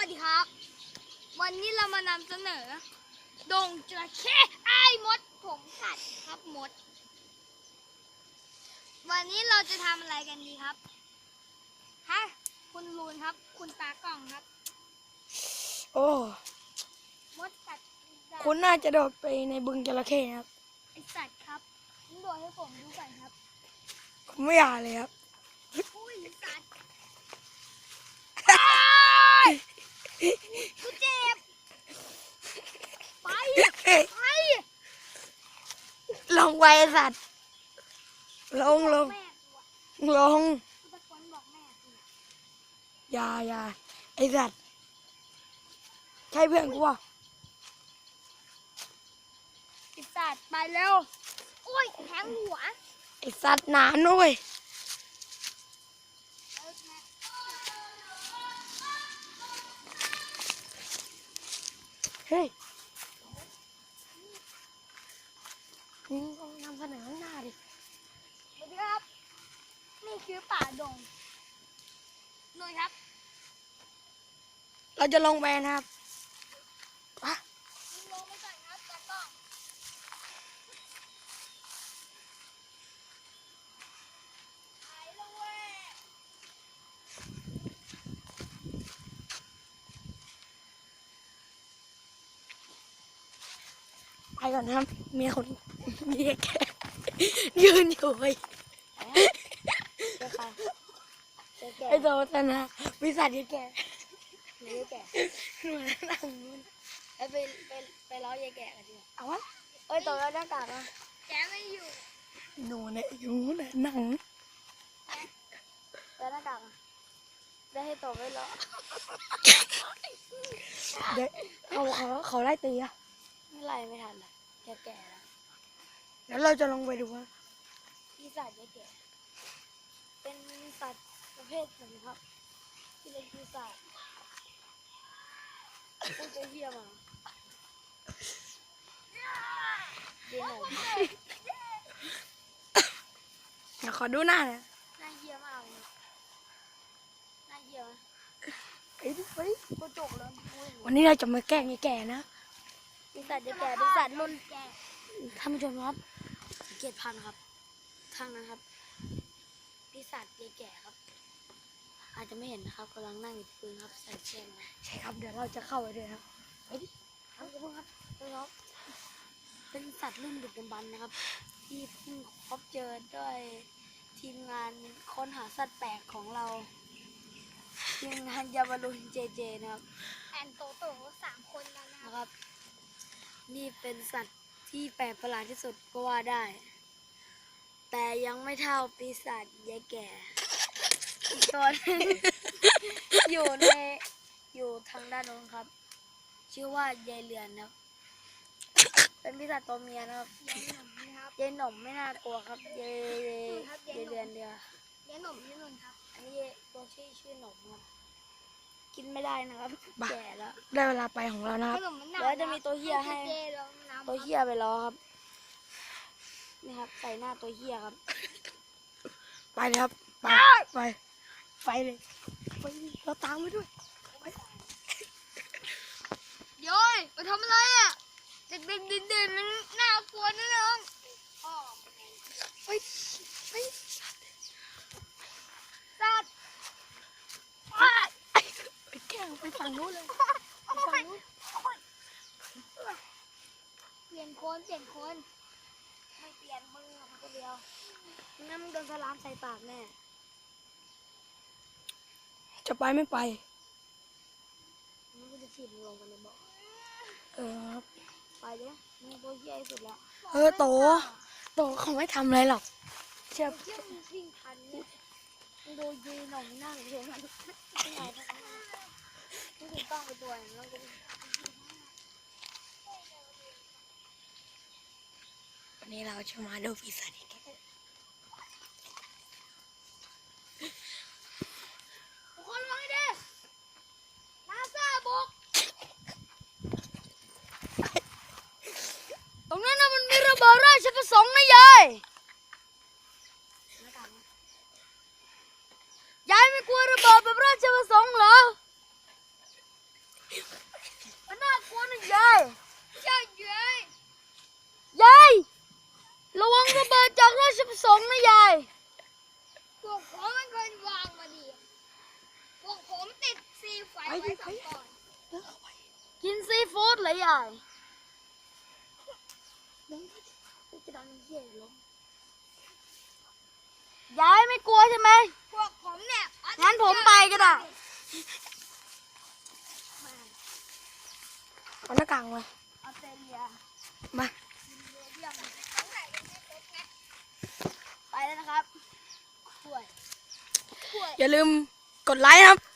สดีครับวันนี้เรามานำเสนอดงจระเข้ไอ้มดผมสัตว์ครับมดวันนี้เราจะทำอะไรกันดีครับฮะคุณลูนครับคุณตากล้องครับโอ้มดกัดคุณน่าจะโดดไปในบึงจระเข้นะครับไอสัตว์ครับคุณโดดให้ผมดูก่อนครับผมไม่อยากเลยครับอุ้ยสัตว์กูเจ็บไปไปลงไปไอ้สัตว์ลงแม่กูอะลงกูตะโกนบอกแม่กูอย่าไอสัตว์ใช่เพื่อนกูวะไอสัตว์ไปเร็วโอ้ยแทงหัวไอสัตว์หนาหน่อยเฮ้ยมึงต้องนำเสนอข้างหน้าดิสวัสดีครับนี่คือป่าดงหน่อยครับเราจะลงไปนะครับอ่ะลงไปก่อนครับตากล้องไปแล้วเว้ยไปก่อนนะครับมีคนมีแกยืนอยู่ไอ้เจ๊ค่ะเจ๊แก่ไอ้โตชนะวิสัทยแกเจ๊แก่เหมือนหนังมันไปล้อยายแก่กันดีกว่าเอาวะเอ้ยตัวแล้วหน้ากากอ่ะแกไม่อยู่หนูเนี่ยอยู่เนี่ยหนังแล้วหน้ากากอ่ะได้ให้ตัวไม่ล้อเด็กเขาไล่ตีอะไม่ไล่ไม่ทันอ่ะแกแก่แล้วแล้วเราจะลงไปดูว่าปีศาจยายแก่เป็นสัตว์ประเภทหนึ่งครับที่เป็นปีศาจพูดเหี้ยมาเดี๋ยวหน่อยเดี๋ยวขอดูหน้าหน่อยน่าเหี้ยมากเลยน่าเหี้ยไหมไปกูจกแล้ววันนี้เราจะมาแกล้งไอ้แก่นะปีศาจยายแก่เป็นสัตว์รุ่นแก่ท่านผู้ชมครับเกียรติพันธุ์ครับทางนั้นครับปีศาจยายแก่ครับ อาจจะไม่เห็นนะครับกำลังนั่งอยู่ที่พื้นครับใส่เชือกมาใช่ครับเดี๋ยวเราจะเข้าไปด้วยครับไปดิครับทุกคนครับแล้วเป็นสัตว์รุ่นดึกดำบรรพ์นะครับ ที่เพิ่งพบเจอด้วยทีมงานค้นหาสัตว์แปลกของเรา ทีมงานยาบารุนเจเจนะครับแอนโตโต3 คนแล้วนะครับ นี่เป็นสัตว์ที่แปลกประหลาดที่สุดก็ว่าได้ แต่ยังไม่เท่าปีศาจยายแก่อีกตัวหนึง อยู่ทางด้านโน้นครับ ชื่อว่ายายเรือนครับ เป็นปีศาจตัวเมียนะครับยายหน่มไม่น่ากลัวครับยายเรือนเดียวยายหน่มครับ อันนี้ตัวชื่อหน่มครับ กินไม่ได้นะครับแก่แล้วได้เวลาไปของเรานะครับแล้วจะมีตัวเหี้ยให้ ตัวเหี้ยไปล้อครับ นี่ครับใส่หน้าตัวเหี้ยครับไปเลยครับไปเลยไปดิเราตามไปด้วยโย้ยมาทำอะไรอ่ะเด็กๆดื่นๆมันน่ากลัวนะน้องไปสัตว์ไปแกล้งไปฝั่งนู้นเลยเปลี่ยนคนไม่เปลี่ยนมึงอะคนเดียวงั้นมึงโดนสลามใส่ปากแน่จะไปไม่ไปงั้นกูจะถีบมึงลงกันเลยบอกครับไปเลยมึงตัวเหี้ยที่สุดแล้วโตเขาไม่ทำอะไรหรอกเชื่อเที่ยวมึงวิ่งทันเนี่ยมึงดูยีหน่องนั่งเฉยมันไม่ไหนทั้งนั้นมึงถึงต้องไปตัวอย่างนั้นก็วันนี้เราจะมาดูปีศาจอีกทุกคนระวังให้ดีนาซาบุกตรงนั้นนะมันมีระเบิดราชประสงค์นะยายยายไม่กลัวระเบิดแบบราชประสงค์เหรองนะยายพวกผมมันเคยวางมาดีพวกผมติดซีไฟไว้สองก่อนเดินเข้าไปกินซีฟู้ดเหรอยายเดินเข้าไปจะดังเหี้ยลงยายไม่กลัวใช่ไหมพวกผมเนี่ยงั้นผมไปก็ได้เอาหน้ากากมาออสเตรเลียมาเรื่องของไหนยังไม่ครบไงไปแล้วนะครับช่วยอย่าลืมกดไลค์นะครับ